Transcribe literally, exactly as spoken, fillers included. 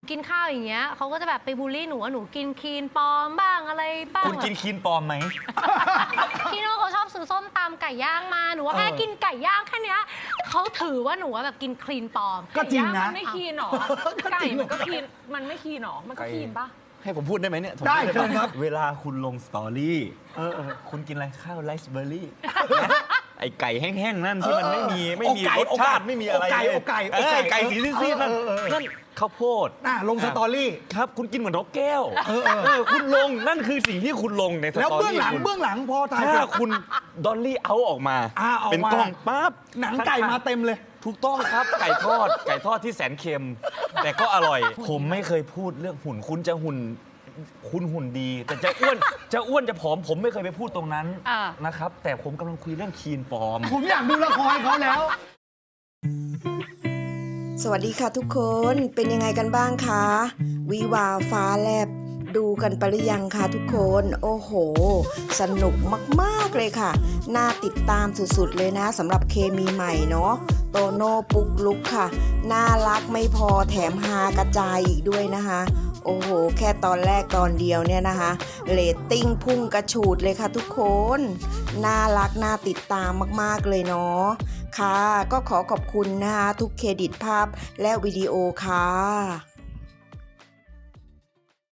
กินข้าวอย่างเงี้ยเขาก็จะแบบไปบูลลี่หนูว่าหนูกินคลีนปลอมบ้างอะไรบ้างคุณกินคลีนปลอมไหมพี่โน่เขาชอบซื้อส้มตำไก่ย่างมาหนูว่าแค่กินไก่ย่างแค่นี้เขาถือว่าหนูว่าแบบกินคลีนปลอมก็จริงนะมันไม่คีนหรอไก่มันก็คีนมันไม่คีนหรอมันก็คีนปะให้ผมพูดได้ไหมเนี่ยได้เชิญครับเวลาคุณลงสตอรี่คุณกินอะไรข้าวไรซ์เบอร์รี่ไอไก่แห้งๆนั่นที่มันไม่มีไม่มีรสชาติไม่มีอะไรเลยไก่ไก่สีซีดๆนั่นนั่นข้าวโพดลงสตอรี่ครับคุณกินเหมือนนกแก้วคุณลงนั่นคือสิ่งที่คุณลงในสตอรี่แล้วเบื้องหลังเบื้องหลังพอถ่ายถ้าคุณดอลลี่เอาออกมาเป็นกล้องปั๊บหนังไก่มาเต็มเลยถูกต้องครับไก่ทอดไก่ทอดที่แสนเค็มแต่ก็อร่อยผมไม่เคยพูดเรื่องหุ่นคุณจะหุ่นคุณหุ่นดีแต่จะอ้วนจะอ้วนจะผอมผมไม่เคยไปพูดตรงนั้นนะครับแต่ผมกำลังคุยเรื่องคีนปลอมผมอยากดูละครเขาแล้วสวัสดีค่ะทุกคนเป็นยังไงกันบ้างคะวิวาฟ้าแลบดูกันไปหรือยังคะทุกคนโอ้โหสนุกมากๆเลยค่ะน่าติดตามสุดๆเลยนะสำหรับเคมีใหม่เนาะโตโน่ปุ๊กลุกค่ะน่ารักไม่พอแถมฮากระจายอีกด้วยนะคะโอ้โหแค่ตอนแรกตอนเดียวเนี่ยนะคะเรตติ้งพุ่งกระฉูดเลยค่ะทุกคนน่ารักน่าติดตามมากๆเลยเนาะค่ะก็ขอขอบคุณนะคะทุกเครดิตภาพและวิดีโอค่ะ